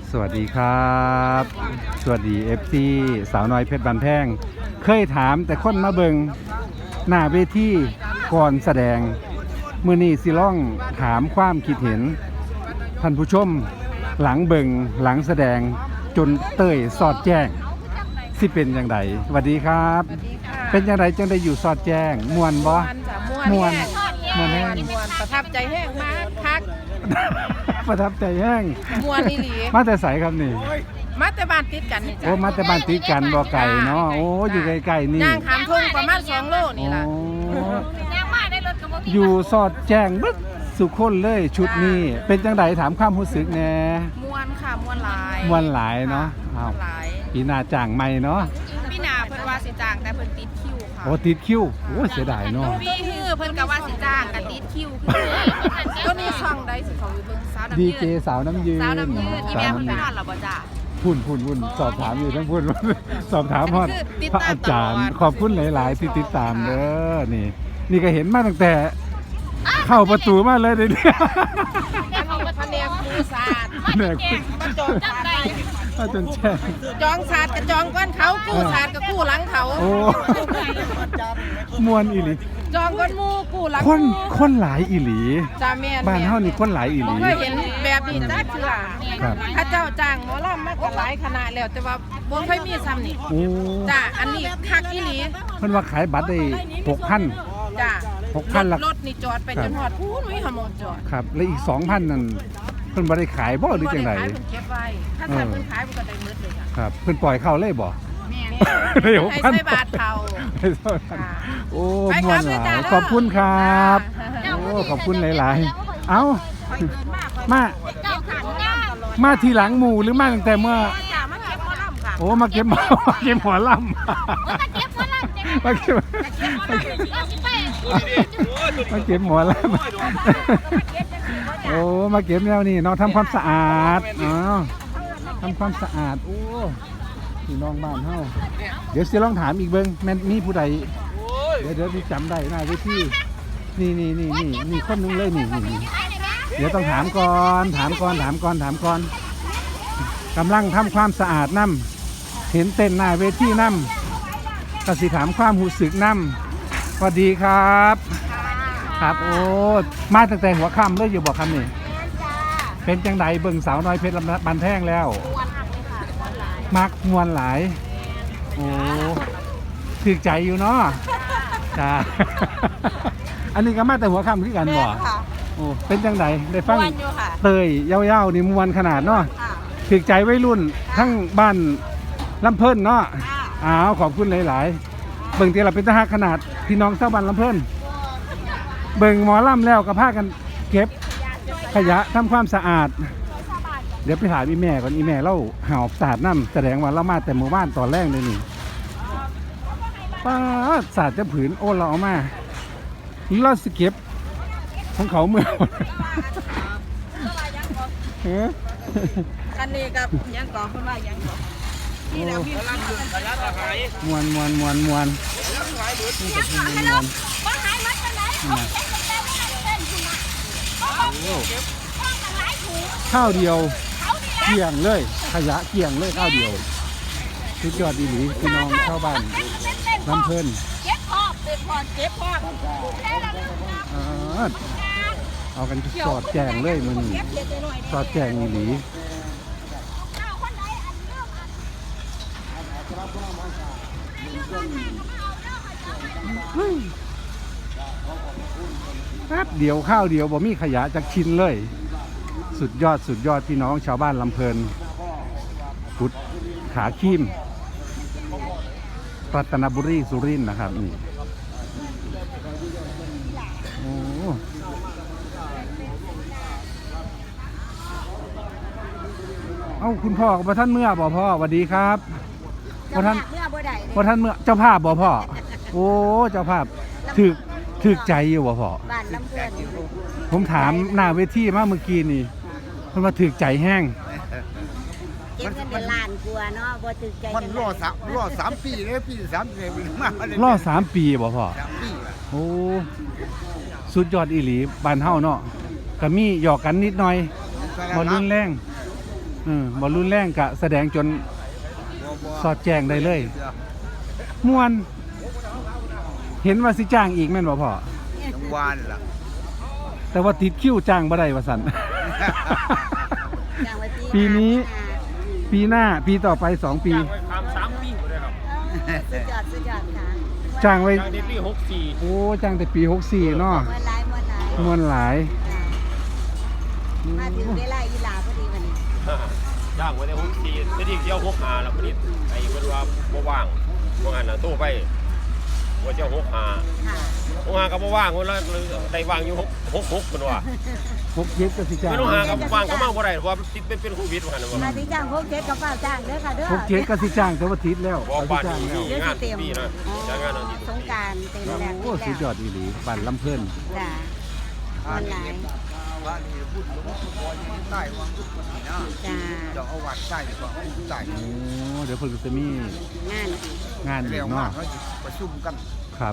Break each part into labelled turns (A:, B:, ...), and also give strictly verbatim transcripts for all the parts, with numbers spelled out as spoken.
A: สวัสดีครับสวัสดี เอฟ ซี สาวน้อยเพชรบานแพงเคยถามแต่คนมาเบิงหน้าเวทีก่อนแสดงมื้อนี้สิล่องถามความคิดเห็นท่านผู้ชมหลังเบิงหลังแสดงจนเต้ยสอดแจ้งสิเป็นอย่างไรสวัสดีครับ เป็นอย่างไรจังได้อยู่สอดแจ้งมวนบ่มวนมวนแห้ง
B: มวนประทับใจแห้งมากคัก
A: ประทับใจแห้ง
B: มวนอีหลี
A: มาแต่ใสครับนี่
B: มาแต่บ้านติดกันนี่จ้ะ
A: โอ้มาแต่บ้านติดกันบ่ไก่เนาะโอ้อยู่ใกล้ๆนี่
B: ย่างขามทุ่งประมาณสองโลนี่ล่ะ
A: โอ้อยู่สอดแจ้งบึ๊ดสุคนเลยชุดนี้เป็นจังไดถามความรู้สึกแหน่
B: มวนค่ะมวนหลาย
A: มวนหลายเนาะอ้าว
B: หลาย
A: ปีหน้าจ้างใหม่เนาะ
B: พี่นาเพิ่นว่าสิจ้างแต่เพิ่นติดคิวค่ะ
A: โอ้ติดคิวโอ้เสียดายเนาะ
B: พี่ฮือเพิ่นก็ว่าสิจ้างก็ติดคิวก็นี่ช่องใดสิเขาอยู่เบิ่งสาวน้ำ
A: ดี
B: ยื
A: เจสาวน้ำยืน
B: สาวน้ำยืนอี
A: สา
B: แม่
A: ว
B: เพิ่น
A: น้ำ
B: ไป
A: ยื
B: นอน นแล้วบ่จ้า
A: พุ่นพุ่นพุ่นสอบถามอยู่ทั้งพุ่น สอบถามฮอด
B: คือติด
A: พระ
B: ตาม
A: อาจารย์
B: ตลอด
A: ขอบคุณหลาย ๆ ที่ติดตามเด้อนี่ นี่ก็เห็นมาตั้งแต่เข้าประตูมาเลยเดี๋ยวนี้
B: แล้วเขาก็แผนกหมูสาด
A: แหนก
B: มาจองศาสตร์ได้
A: มาจนแช่ง
B: จองศาสตร์กับจองก้อนเขากู้ศาสตร์กับกู้หลังเขา
A: โอ้มวนอีหลี
B: จองก้อนหมูกู้หลัง
A: คนคนหลายอีหลี
B: จ้าแม่น
A: บ้านเฮานี่คนหลายอีห
B: บ่
A: ลี
B: เคยเห็นแบบนี้จักเทื่อ
A: ครับ
B: ถ้าเจ้าจ้างหมอลำมาก็หลายคณะแล้วแต่ว่าบ่เคยมีซ้ำนี่
A: โอ้
B: จ้าอันนี้คักอีหลี
A: เพิ่นว่าขายบัตรได้หกพัน
B: จ้า
A: หกพันละ
B: รถนี่จอดไปจนฮอดพูนมีหมองจอด
A: ครับ แล้วอีกสองพันนั่นเพิ่นบ่ได้ขายบ่หรือจังได
B: บ่ด้ขายเพิ่นเก็บไว้ถ้าถ้าเพิ่นขายมันก็ได้หมดเลยค่ะ
A: ครับเพิ่นปล่อยเข้าเลยบ่
B: แม่
A: ได้หก
B: ให้
A: พัน
B: ใส่บาทเขา
A: ให้ใส่บาทโอ้
B: ไป
A: ม
B: คว รั
A: น
B: บ
A: หลา
B: จ้าย เด้อ
A: ขอบคุณครับ โอ้ขอบคุณหลาย ๆ เอ้า มา
B: เจ้าขันย่างตลอด
A: มาทีหลังหมู่หรือมาตั้งแต่เมื่อ
B: จ้ามาเก็บหมอลำค่ะ
A: โอ้ มาเก็บหมอมาเก็บหัวลำมาเก็บมาเก็บหัวลำโอ้ มาเก็บแนวนี้เนาะทำความสะอาดอ๋อทำความสะอาด โอ้พี่น้องบ้านเฮาเดี๋ยวสิลองถามอีกเบิ้งแม่นมีผู้ใดเดี๋ยวเดี๋ยวพี่จำได้หน้าเวทีนี่นี่นี่นี่นี่คนหนึงเลยนี่นี่นี่เดี๋ยวต้องถามก่อนถามก่อนถามก่อนถามก่อนกำลังทำความสะอาดน้ำเห็นเต้นหน้าเวทีน้ำก็สิถามความหูสึกน้ำสวัสดีครับ ครับโอ้มาตั้งแต่หัวค่ำเลยอยู่บอกคำนี่เป็นจังไดเบิ่งสาวน้อยเพชรบันแท่งแล้วมักมวนหลายโอ้ถึกใจอยู่เนาะจ้า อันนี้ก็มาแต่หัวค่ำคือกันบ่โอ้เป็นจังไดได้ฟังเตยเย้าๆนี่มวนขนาดเนาะถึกใจวัยรุ่นทั้งบ้านลำเพิ่นเนาะอ้าวขอบคุณหลายๆเบิ่งที่เราเป็นทหารขนาดพี่น้องชาวบ้านลำเพิ่นเบิ่งหมอลำแล้วก็พากันเก็บขยะทำความสะอาดเดี๋ยวไปถามอีแม่ก่อนอีแม่เล่าหอบสาดน้ำแสดงว่าเรามาแต่หมู่บ้านตอนแรกเลยนี่ป้าสาดจะผืนโอ้เราเอามาเราสเก็บของเขาเมื่อเฮ้ย
B: อันนี้กับยังก่อเพิ่นว่ายังก่อนี่แหละพี่รักอยู่ระยะหาย
A: มวนมวนมวนมวนนี่ก็คือมวนมวนข้าวเดียวเกี่ยงเลยขยะเกี่ยงเลยข้าวเดียวทุกยอดดีหลีพี่น้องชาวบ้านลำเพิ่น
B: เก็บพอกเก็บพอกเก็บพอก
A: อ่าเอากันสอดแจงเลยมันสอดแจงอีหลีแป๊บเดียวข้าวเดียวบ่มีขยะจากชิ้นเลย สุดยอดสุดยอดพี่น้องชาวบ้านลำเพลินกุดขาคีมรัตนบุรีสุรินทร์นะครับนี่โอ้เอ้าคุณพ่อกับท่านเมื่อบ่พ่อสวัสดีครับบ่ท่าน
C: เมื่อบ่ได้
A: บ่ท่านเมื่อเจ้าภาพบ่พ่อโอ้เจ้าภาพถึกถึกใจอยู่บ่พ่อ
C: บ้านลำเพื่อน
A: ผมถามหน้าเวทีมาเมื่อกี้นี่มันมาถึกใจแห้ง
C: เก็บเงินเป็นล้านกลัวเนาะบ่ถึกใจ
D: มันรอสามรอสามปีเลยปีสามเลยมากเลย
A: รอสามปีบ่พ่อ
D: สามปี
A: โอ้สุดยอดอีหลีบ้านเฮาเนาะก็มีหยอกกันนิดหน่อยบ่รุนแรงเออบ่รุนแรงกะแสดงจน
D: บ่บ่
A: สอดแจ้งได้เลยม่วนเห็นว่าสิจ้างอีกแม่นบ่พ่อ
D: ทั้งวานล่ะ
A: แต่ว่าติดคิวจ้างบ่ได้ว่าซั่น
C: อย่างว่า
A: ปีนี้ ปีหน้าปีต่อไปสองปี
E: จ้างไว้ทำสามปีหมดเลยครับ
C: เออสุดยอดสุดยอดค่ะ
A: จ้างไว้
E: จ้างในปีหกสี่
A: โอ้จ้างแต่ปีหกสี่เนาะ
C: มวนหลายมวนหลาย
A: ม่วนหลาย
C: จ้ะมาถึงเวลาอีหลาพอดีวันนี้
E: จ้างไว้ในหกสี่ไม่ได้เที่ยวหกหาแล้วพอดีไอ้เพิ่นว่าบ่ว่างบ่งั้นน่ะโทรไปว่าเที่ยวหกหา
C: ค่ะ
E: หกหาก็บ่ว่างคนละได้ว่างอยู่หกหกหกเพิ่นว่า
A: พกเย็บก็สิจ้าง
E: ไม่ต้องหาก็ว่างก็มาบ่ได้เพราะว่าติดเป็นเป็นโควิดว่าหั่นว่า
C: มาที่จ้างพวกเจ็ดกับเป้าจ้างเด้อค่ะเด้อ
A: พกเย็บก็สิจ้างแต่ว่าติดแล้ว
E: บ่
A: เขาสิ
E: บ้าน
A: จ้าง
E: นี้
A: แล้ว
E: มีงานทุกปีนะจ้างงานอาทิตย์
C: สงกรารเต็มแล้ว
A: โอ้สุดยอดอีหลีบ้านลำเพิ่น
C: จ้ะออนไลน์
D: บ้านนี้พูดหลวงพ่อยังใต้วังทุกคนนี่นะ
C: จ้า
D: เจ้าเอาวัดใต้ดีกว่าเอาใต้
A: โอ้เดี๋ยวเพิ่นก็จะมี
C: งานอีก
A: งานอี
D: เร็
A: ก
D: วมาก
A: เนาะ
D: เขาประชุมกัน
A: ครับ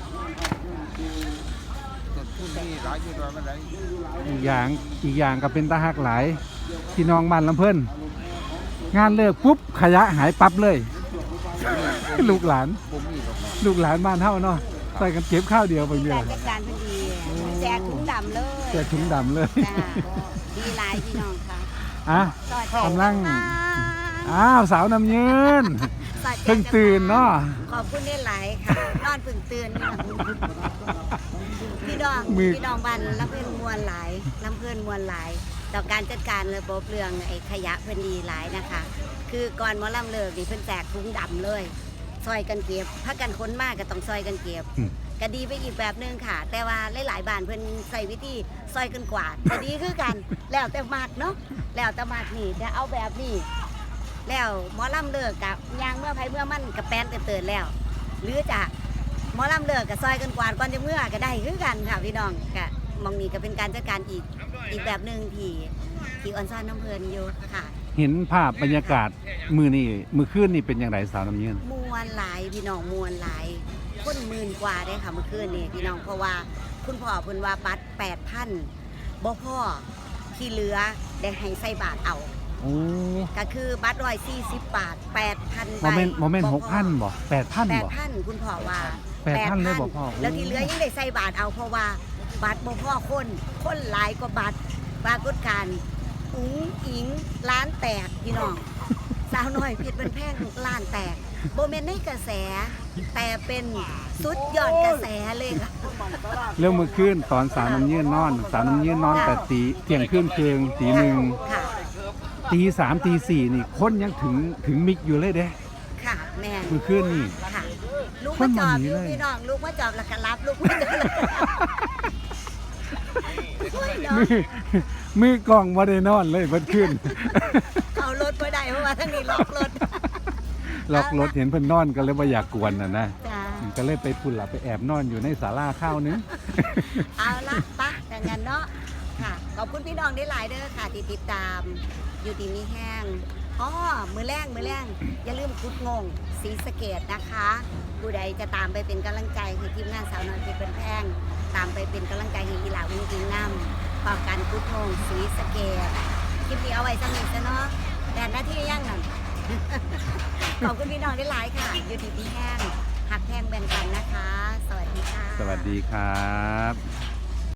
D: ต้นทุนนี่หลายอยู่ด้วยมันไหน
A: อีกอย่างอีกอย่างก็เป็นตาฮักหลายพี่น้องบ้านลำเพิ่นงานเลิกปุ๊บขยะหายปั๊บเลย ลูกหลาน
D: บ่มีหรอกเนาะ
A: ลูกหลานบ้านเฮาเนาะใส่กันเก็บข้าวเดียวไป
C: มี
A: เดีย
C: กาว รจัดการพอดีแจกถุงดำเลย
A: แจกถุงดำเลย
C: จ้าดีหลายพี่น้องค่ะ
A: อ่ะ
C: สวัสดี
A: กำลัง
C: ค่ะ
A: อ้าวสาวน้ำยืน
C: สวัสดี
A: เพิ่งตื่นเนาะ
C: ขอบคุณได้หลายค่ะนอนเพิ่งตื่นพี่น้องพี่น้องบ้านลำเพื่อนมวลหลายลำเพื่อนมวลหลายต่อการจัดการระบบเรื่องไอ้ขยะเพิ่นดีหลายนะคะ คือก่อนหมอลำเลิกนี่เพิ่นแจกถุงดำเลย ซอยกันเก็บถ้ากันค้นมากก็ต้องซอยกันเก็บ
A: อืม
C: ก็ดีไปอีกแบบหนึงค่ะ แต่ว่าหลายๆบ้านเพิ่นใส่วิธีซอยกันกวาดก็ดีคือกัน แล้วแต่มากเนาะแล้วแต่มากนี่จะเอาแบบนี้ แล้วหมอลำเลิกกับยางเมื่อไผเมื่อมันกับแป้นเตือนๆแล้ว หรือจะหมอลำเลิกกับซอยกันกวาดก่อนจะเมื่อก็ได้คือกันค่ะพี่น้องก็มองนี่ก็เป็นการจัดการอีกอีกแบบหนึ่งที่ที่ออนซ่อนน้ำเพลินอยู่ค่ะ
A: เห็นภาพบรรยากาศมือนี่มือคืนนี่เป็นอย่างไรสาวน้ำยืน
C: มวนหลายพี่น้องมวนหลายคนหมื่นกว่าได้ค่ะเมื่อคืนนี่พี่น้องเพราะว่าคุณพ่อเพิ่นว่าบัตรแปดพันบ่พ่อที่เหลือได้ให้ใส่บาทเอา
A: โอ้
C: ก็คือบัตรร้อยสี่สิบบาทแปดพัน
A: โม
C: ใบ
A: เมนต์โมเมนต์หกพันบ่แปดพัน
C: แปด
A: บ่
C: พันคุณพ่อว่า
A: แปดพันเลยบอกพ่อ
C: แล้วที่เหลือยังได้ใส่บาทเอาเพราะว่าบัตรบ่พ่อคนคนหลายกว่าบัตรปรากฏการณ์อุ๋งอิงร้านแตกพี่น้อง สาวน้อยผิดเป็นแพงล้านแตกโบเมนในกระแส แต่เป็นสุดยอดกระแสเลยค่ะ
A: เรื่องมือคืนตอนสาวน้ำยืนนอน สาวน้ำยืนนอนแต่ตีเที่ยงคืนเคืองตีหนึ่ง
C: ค่ะ
A: ตีสามตีสี่นี่คนยังถึงถึงมิกอยู่เลยเด้
C: ค่ะแม่น
A: มือคืนนี่
C: ค่ะ ลูกมาจอบอยู่
A: คนหนีเลย
C: พี่น้องลูกมาจอบแล้วก็รับลูกมาจอบแล้วก็รับโอ้ยเนาะ
A: มือมือกล้องมาได้นอนเลยเพิ่นขึ้น
C: เอารถไปได้เพราะว่าทั้งนี้ล็อกรถ
A: ล็อกรถเห็นเพิ่นนอนก็เลยบ่อยากกวนน่ะนะ
C: จ้า
A: ก็เลยไปพุ่นหลับไปแอบนอนอยู่ในศาลาข้าวนึง
C: เอาละปะอย่างนั้นเนาะค่ะ ขอบคุณพี่น้องได้หลายเด้อค่ะที่ติดตามอยู่ดีมีแห้งอ๋อมือแรงมือแรงอย่าลืมกุดงงสีสะเกดนะคะผู้ใดจะตามไปเป็นกำลังใจให้ทีมงานสาวน้อยเพชรเป็นแพงตามไปเป็นกำลังใจให้อีหลาวิ่งกิงน้ำต่อการกุดงงสีสะเกดคลิปนี้เอาไว้สนิทซะเนาะแต่หน้าที่ยังนั่น ขอบคุณพี่น้องได้หลายค่ะอยู่ดีมีแห้งหักแพงแบ่งกันนะคะ สวัสดีค่ะ
A: สวัสดีครับ